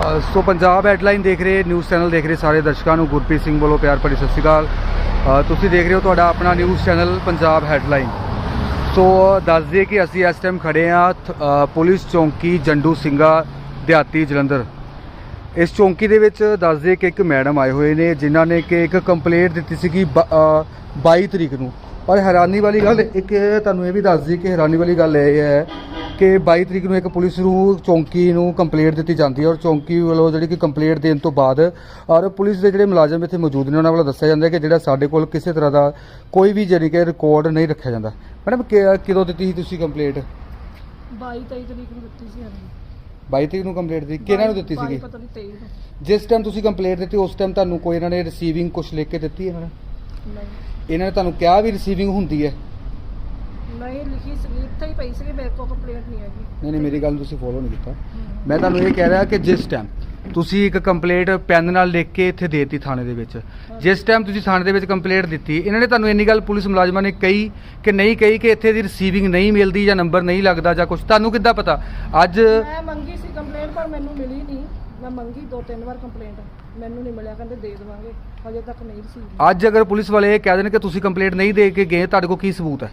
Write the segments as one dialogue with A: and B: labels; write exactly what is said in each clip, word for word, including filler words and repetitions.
A: ਅ, ਸੋ Punjab headline ਦੇਖ ਰਹੇ news channel ਦੇਖ ਰਹੇ ਸਾਰੇ ਦਰਸ਼ਕਾਂ ਨੂੰ ਗੁਰਪ੍ਰੀਤ ਸਿੰਘ ਵੱਲੋਂ ਪਿਆਰ ਭਰੀ ਸਤਿ ਸ਼੍ਰੀ ਅਕਾਲ। ਅ, ਤੁਸੀਂ ਦੇਖ ਰਹੇ ਹੋ ਤੁਹਾਡਾ ਆਪਣਾ news channel Punjab headline. So ਦੱਸ ਦਈਏ ਕਿ ਅਸੀਂ ਇਸ ਟਾਈਮ ਖੜੇ ਹਾਂ ਪੁਲਿਸ ਚੌਂਕੀ ਜੰਡੂ ਸਿੰਘਾ ਦਿਹਾਤੀ ਜਲੰਧਰ। ਇਸ ਚੌਂਕੀ ਦੇ ਵਿੱਚ ਦੱਸ ਦਈਏ ਕਿ ਇੱਕ ਮੈਡਮ ਆਏ ਹੋਏ ਨੇ ਜਿਨ੍ਹਾਂ ਨੇ ਕਿ ਇੱਕ ਕੰਪਲੇਂਟ ਦਿੱਤੀ ਸੀਗੀ ਬਾਈ ਤਰੀਕ ਨੂੰ। ਪਰ ਹੈਰਾਨੀ ਵਾਲੀ ਗੱਲ ਇੱਕ ਤੁਹਾਨੂੰ ਇਹ ਵੀ ਦੱਸ ਦਈਏ ਕਿ ਹੈਰਾਨੀ ਵਾਲੀ ਗੱਲ ਇਹ ਹੈ ਕਿ ਬਾਈ ਤਰੀਕ ਨੂੰ ਇੱਕ ਪੁਲਿਸ ਨੂੰ ਚੌਂਕੀ ਨੂੰ ਕੰਪਲੇਂਟ ਦਿੱਤੀ ਜਾਂਦੀ ਹੈ ਔਰ ਚੌਂਕੀ ਵੱਲੋਂ ਜਿਹੜੀ ਕਿ ਕੰਪਲੇਂਟ ਦੇਣ ਤੋਂ ਬਾਅਦ ਔਰ ਪੁਲਿਸ ਦੇ ਜਿਹੜੇ ਮੁਲਾਜ਼ਮ ਇੱਥੇ ਮੌਜੂਦ ਨੇ ਉਹਨਾਂ ਵੱਲੋਂ ਦੱਸਿਆ ਜਾਂਦਾ ਕਿ ਜਿਹੜਾ ਸਾਡੇ ਕੋਲ ਕਿਸੇ ਤਰ੍ਹਾਂ ਦਾ ਕੋਈ ਵੀ ਜਾਣੀ ਕਿ ਰਿਕਾਰਡ ਨਹੀਂ ਰੱਖਿਆ ਜਾਂਦਾ। ਮੈਡਮ ਕਦੋਂ ਦਿੱਤੀ ਸੀ ਤੁਸੀਂ ਕੰਪਲੇਂਟ?
B: ਬਾਈ ਤੇਈ ਤਰੀਕ ਨੂੰ ਦਿੱਤੀ ਸੀ। ਹਾਂਜੀ
A: ਬਾਈ ਤਰੀਕ ਨੂੰ ਕੰਪਲੇਂਟ ਦਿੱਤੀ। ਕਿਹਨਾਂ ਨੂੰ ਦਿੱਤੀ ਸੀਗੀ?
B: ਪਤਾ ਨਹੀਂ ਤੇਈ ਨੂੰ।
A: ਜਿਸ ਟਾਈਮ ਤੁਸੀਂ ਕੰਪਲੇਂਟ ਦਿੱਤੀ ਉਸ ਟਾਈਮ ਤੁਹਾਨੂੰ ਕੋਈ ਇਹਨਾਂ ਨੇ ਰਿਸੀਵਿੰਗ ਕੁਝ ਲਿਖ ਕੇ ਦਿੱਤੀ ਹੈ?
B: ਨਹੀਂ
A: ਇਹਨਾਂ ਨੇ ਤੁਹਾਨੂੰ ਕਿਹਾ ਵੀ ਰਿਸੀਵਿੰਗ ਹੁੰਦੀ ਹੈ?
B: ਨਹੀਂ ਲਿਖੀ ਸੀ, ਇੱਥੇ ਹੀ ਪਈ ਸੀ, ਮੇਰੇ ਕੋਲ ਕੰਪਲੇਂਟ ਨਹੀਂ ਹੈਗੀ।
A: ਨਹੀਂ ਨਹੀਂ ਮੇਰੀ ਗੱਲ ਤੁਸੀਂ ਫੋਲੋ ਨਹੀਂ ਕੀਤਾ। ਮੈਂ ਤੁਹਾਨੂੰ ਇਹ ਕਹਿ ਰਿਹਾ ਕਿ ਜਿਸ ਟਾਈਮ ਤੁਸੀਂ ਇੱਕ ਕੰਪਲੇਂਟ ਪੈਨ ਨਾਲ ਲਿਖ ਕੇ ਇੱਥੇ ਦੇਤੀ ਥਾਣੇ ਦੇ ਵਿੱਚ, ਜਿਸ ਟਾਈਮ ਤੁਸੀਂ ਥਾਣੇ ਦੇ ਵਿੱਚ ਕੰਪਲੇਂਟ ਦਿੱਤੀ ਇਹਨਾਂ ਨੇ ਤੁਹਾਨੂੰ ਇੰਨੀ ਗੱਲ ਪੁਲਿਸ ਮੁਲਾਜ਼ਮਾਂ ਨੇ ਕਹੀ ਕਿ ਨਹੀਂ ਕਹੀ ਕਿ ਇੱਥੇ ਦੀ ਰਿਸੀਵਿੰਗ ਨਹੀਂ ਮਿਲਦੀ ਜਾਂ ਨੰਬਰ ਨਹੀਂ ਲੱਗਦਾ ਜਾਂ ਕੁਝ? ਤੁਹਾਨੂੰ ਕਿੱਦਾਂ ਪਤਾ? ਅੱਜ
B: ਮੈਂ ਮੰਗੀ ਸੀ ਕੰਪਲੇਂਟ ਪਰ ਮੈਨੂੰ ਮਿਲੀ ਨਹੀਂ। ਮੈਂ ਮੰਗੀ ਦੋ ਤਿੰਨ ਵਾਰ ਕੰਪਲੇਂਟ, ਮੈਨੂੰ ਨਹੀਂ ਮਿਲਿਆ। ਕਹਿੰਦੇ ਦੇ ਦੇਵਾਂਗੇ, ਹਜੇ ਤੱਕ ਨਹੀਂ ਰਿਸੀਵ।
A: ਅੱਜ ਅਗਰ ਪੁਲਿਸ ਵਾਲੇ ਇਹ ਕਹਿ ਦੇਣ ਕਿ ਤੁਸੀਂ ਕੰਪਲੇਂਟ ਨਹੀਂ ਦੇ ਕੇ ਗਏ, ਤੁਹਾਡੇ ਕੋਲ ਕੀ ਸਬੂਤ ਹੈ?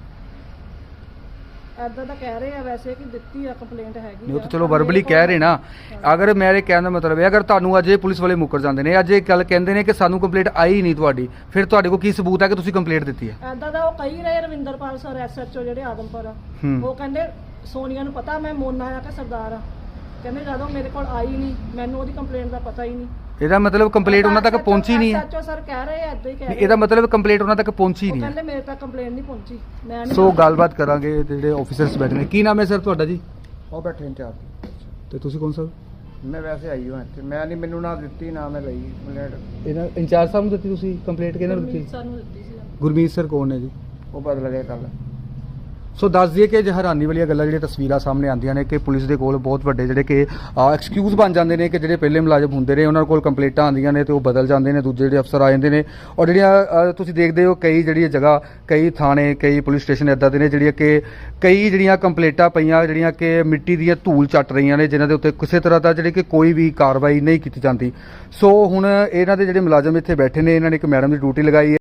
B: ਐਦਾਂ ਤਾਂ ਕਹਿ ਰਹੇ ਆ ਵੈਸੇ ਕਿ ਦਿੱਤੀ ਆ ਕੰਪਲੇਂਟ ਹੈਗੀ।
A: ਨਹੀਂ ਉਹ ਤਾਂ ਚਲੋ ਵਰਬਲੀ ਕਹਿ ਰਹੇ ਨਾ। ਅਗਰ ਮੇਰੇ ਕਹਿਣ ਦਾ ਮਤਲਬ ਹੈ ਅਗਰ ਤੁਹਾਨੂੰ ਅੱਜ ਇਹ ਪੁਲਿਸ ਵਾਲੇ ਮੁੱਕਰ ਜਾਂਦੇ ਨੇ, ਅੱਜ ਇਹ ਗੱਲ ਕਹਿੰਦੇ ਨੇ ਕਿ ਸਾਨੂੰ ਕੰਪਲੇਂਟ ਆਈ ਨਹੀਂ ਤੁਹਾਡੀ, ਫਿਰ ਤੁਹਾਡੇ ਕੋਲ ਕੀ ਸਬੂਤ ਹੈ ਕਿ ਤੁਸੀਂ ਕੰਪਲੇਂਟ ਦਿੱਤੀ ਹੈ?
B: ਐਦਾਂ ਦਾ ਉਹ ਕਹੀ ਰਹੇ ਰਵਿੰਦਰਪਾਲ ਸਰ ਐਸਐਚਓ ਜਿਹੜੇ ਆਦਮਪੁਰ ਆ, ਉਹ ਕਹਿੰਦੇ ਸੋਨੀਆ ਨੂੰ ਪਤਾ ਮੈਂ ਮੋਨਾ ਆ ਕਿ ਸਰਦਾਰ ਆ। ਕਹਿੰਦੇ ਜਦੋਂ ਮੇਰੇ ਕੋਲ ਆਈ ਨਹੀਂ ਮੈਨੂੰ ਉਹਦੀ ਕੰਪਲੇਂਟ ਦਾ ਪਤਾ ਹੀ ਨਹੀਂ।
A: ਇਹਦਾ ਮਤਲਬ ਕੰਪਲੇਂਟ ਉਹਨਾਂ ਤੱਕ ਪਹੁੰਚੀ ਨਹੀਂ ਹੈ?
B: ਐਸਐਚਓ ਸਰ ਕਹਿ ਰਹੇ ਆ, ਐਦਾਂ ਹੀ ਕਹਿ ਰਹੇ।
A: ਇਹਦਾ ਮਤਲਬ ਕੰਪਲੇਂਟ ਉਹਨਾਂ ਤੱਕ ਪਹੁੰਚੀ ਨਹੀਂ ਹੈ?
B: ਕਹਿੰਦੇ ਮੇਰੇ ਤੱਕ ਕੰਪਲੇਂਟ ਨਹੀਂ ਪਹੁੰਚੀ। ਮੈਂ
A: ਸੋ ਗੱਲਬਾਤ ਕਰਾਂਗੇ ਜਿਹੜੇ ਆਫੀਸਰਸ ਬੈਠੇ ਨੇ। ਕੀ ਨਾਮ ਹੈ ਸਰ ਤੁਹਾਡਾ ਜੀ?
C: ਉਹ ਬੈਠੇ ਇੰਚਾਰਜ।
A: ਤੇ ਤੁਸੀਂ ਕੌਣ ਸਰ?
C: ਮੈਂ ਵੈਸੇ ਆਈ ਹਾਂ ਇੱਥੇ, ਮੈਂ ਨਹੀਂ, ਮੈਨੂੰ ਨਾ ਦਿੱਤੀ ਨਾ ਮੈਂ ਲਈ ਕੰਪਲੇਂਟ।
A: ਇਹਨਾਂ ਇੰਚਾਰਜ ਸਾਹਿਬ ਨੂੰ ਦਿੱਤੀ ਤੁਸੀਂ ਕੰਪਲੇਂਟ? ਕਿਹਨਾਂ ਨੂੰ ਦਿੱਤੀ?
B: ਸਰ ਨੂੰ ਦਿੱਤੀ ਸੀ।
A: ਗੁਰਮੀਤ ਸਰ ਕੌਣ ਨੇ ਜੀ?
C: ਉਹ ਬਦਲ ਗਏ ਕੱਲ।
A: ਸੋ ਦੱਸ ਦਈਏ ਕਿ ਹੈਰਾਨੀ ਵਾਲੀਆਂ ਗੱਲਾਂ ਜਿਹੜੀਆਂ ਤਸਵੀਰਾਂ ਸਾਹਮਣੇ ਆਉਂਦੀਆਂ ਨੇ ਕਿ ਪੁਲਿਸ ਦੇ ਕੋਲ ਬਹੁਤ ਵੱਡੇ ਜਿਹੜੇ ਕਿ ਐਕਸਕਿਊਜ਼ ਬਣ ਜਾਂਦੇ ਨੇ ਕਿ ਜਿਹੜੇ ਪਹਿਲੇ ਮੁਲਾਜ਼ਮ ਹੁੰਦੇ ਨੇ ਉਹਨਾਂ ਕੋਲ ਕੰਪਲੇਂਟਾਂ ਆਉਂਦੀਆਂ ਨੇ ਤੇ ਉਹ ਬਦਲ ਜਾਂਦੇ ਨੇ, ਦੂਜੇ ਜਿਹੜੇ ਅਫਸਰ ਆ ਜਾਂਦੇ ਨੇ। ਔਰ ਜਿਹੜੀਆਂ ਤੁਸੀਂ ਦੇਖਦੇ ਹੋ ਕਈ ਜਿਹੜੀਆਂ ਜਗ੍ਹਾ, ਕਈ ਥਾਣੇ, ਕਈ ਪੁਲਿਸ ਸਟੇਸ਼ਨ ਇੱਦਾਂ ਦੇ ਨੇ ਜਿਹੜੀਆਂ ਕਿ ਕਈ ਜਿਹੜੀਆਂ ਕੰਪਲੇਂਟਾਂ ਪਈਆਂ ਜਿਹੜੀਆਂ ਕਿ ਮਿੱਟੀ ਦੀਆਂ ਧੂਲ ਚੱਟ ਰਹੀਆਂ ਨੇ, ਜਿਨ੍ਹਾਂ ਦੇ ਉੱਤੇ ਕਿਸੇ ਤਰ੍ਹਾਂ ਦਾ ਜਿਹੜੀ ਕਿ ਕੋਈ ਵੀ ਕਾਰਵਾਈ ਨਹੀਂ ਕੀਤੀ ਜਾਂਦੀ। ਸੋ ਹੁਣ ਇਹਨਾਂ ਦੇ ਜਿਹੜੇ ਮੁਲਾਜ਼ਮ ਇੱਥੇ ਬੈਠੇ ਨੇ ਇਹਨਾਂ ਨੇ ਇੱਕ ਮੈਡਮ ਦੀ ਡਿਊਟੀ ਲਗਾਈ ਹੈ।